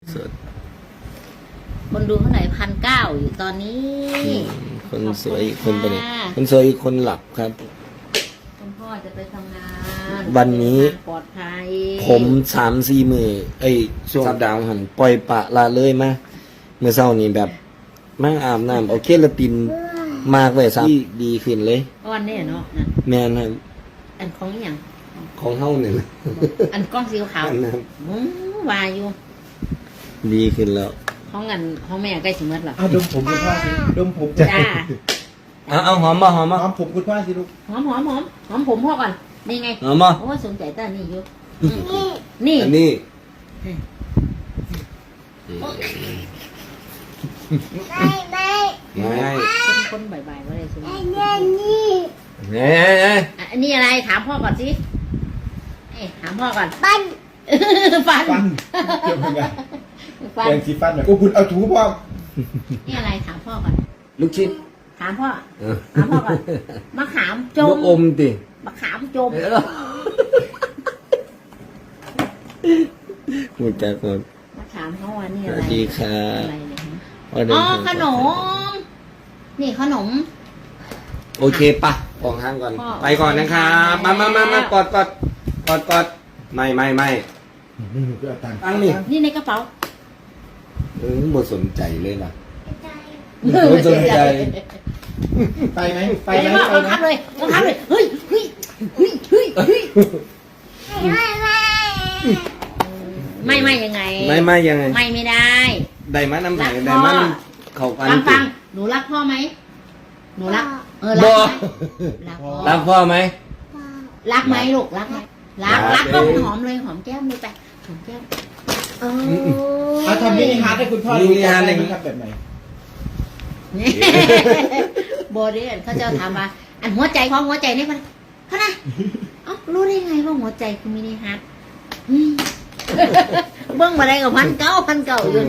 คนดูเท่าไหร่1,900อยู่ตอนนี้คนสวยอีกคนไปไหนคนสวยอีกคนหลับครับคุณพ่อจะไปทำงานวันนี้ปลอดภัยผม3-4 มือช่วงสัปดาห์หันปล่อยปะละเลยมาเมื่อเช้านี้แบบมาอาบน้ำเอาเคลาตินมากเลยที่ดีขึ้นเลยวันนี้เนาะนั่นแม่นครับอันของอย่างของเฮาเนี่ยอันก้อนสีขาววายอยู่ดีขึ้นแล้วของแม่ใกล้สิหมดแล้วดมผมคุณพ่อสิดมผมจ้าเอาหอมบ่หอมบ่หอมผมคุณพ่อสิลูกหอมผมพ่อก่อนนี่ไงหอมบ่โอ้สนใจต้านี่อยู่นี่อันนี้ไม่คนบ่ายๆว่าอะไรสิอันนี้อะไรถามพ่อก่อนสิถามพ่อก่อนฟันเกี่ยวกับไงแปรงสีฟันแบบคุณเอาถูพ่อนี่อะไรถามพ่อก่อนลูกชิ้นถามพ่อก่อนมะขามจมลูกอมติมะขามจมหมดจากคนมะขามเขาว่านี่อะไรสวัสดีค่ะอ๋อขนมนี่ขนมโอเคปะปองห้างก่อนไปก่อนนะครับมากอดไม่ตั้งนี่ในกระเป๋าหมดสนใจเลยล่ะหมดสนใจไปไหมบังคับเลยเฮ้ยไม่ยังไงไม่ยังไงไม่ได้ได้มาน้ำไหนได้มาเขาฟังหนูรักพ่อไหมหนูรักรักพ่อไหมรักไหมลูกรักไหมรักก็หอมเลยหอมแก้มเลยไปหอมแก้มทำมินิฮาร์ดให้คุณพ่อดูได้ไหมครับแบบไหนโบเดนเขาจะถามว่าอันหัวใจของหัวใจนี่มันเขานะรู้ได้ไงว่าหัวใจคือมินิฮาร์ดเบิ้งมาได้กับ1,900อยู่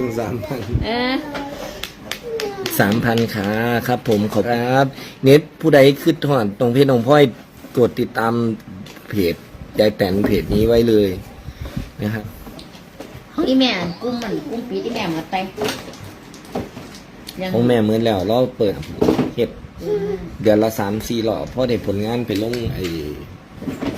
3,000ขาครับผมขอบคุณครับเน็ตผู้ใดขึ้นถอนตรงเพจน้องพ่อยกดติดตามเพจยายแต่นเพจนี้ไว้เลยนะครับของอีแม่กุ้งปีที่แม่มาแต่ของแม่เหมือนแล้วเราเปิดเฮ็ดเดือนละ3-4 รอบเพราะได้ผลงานไปลง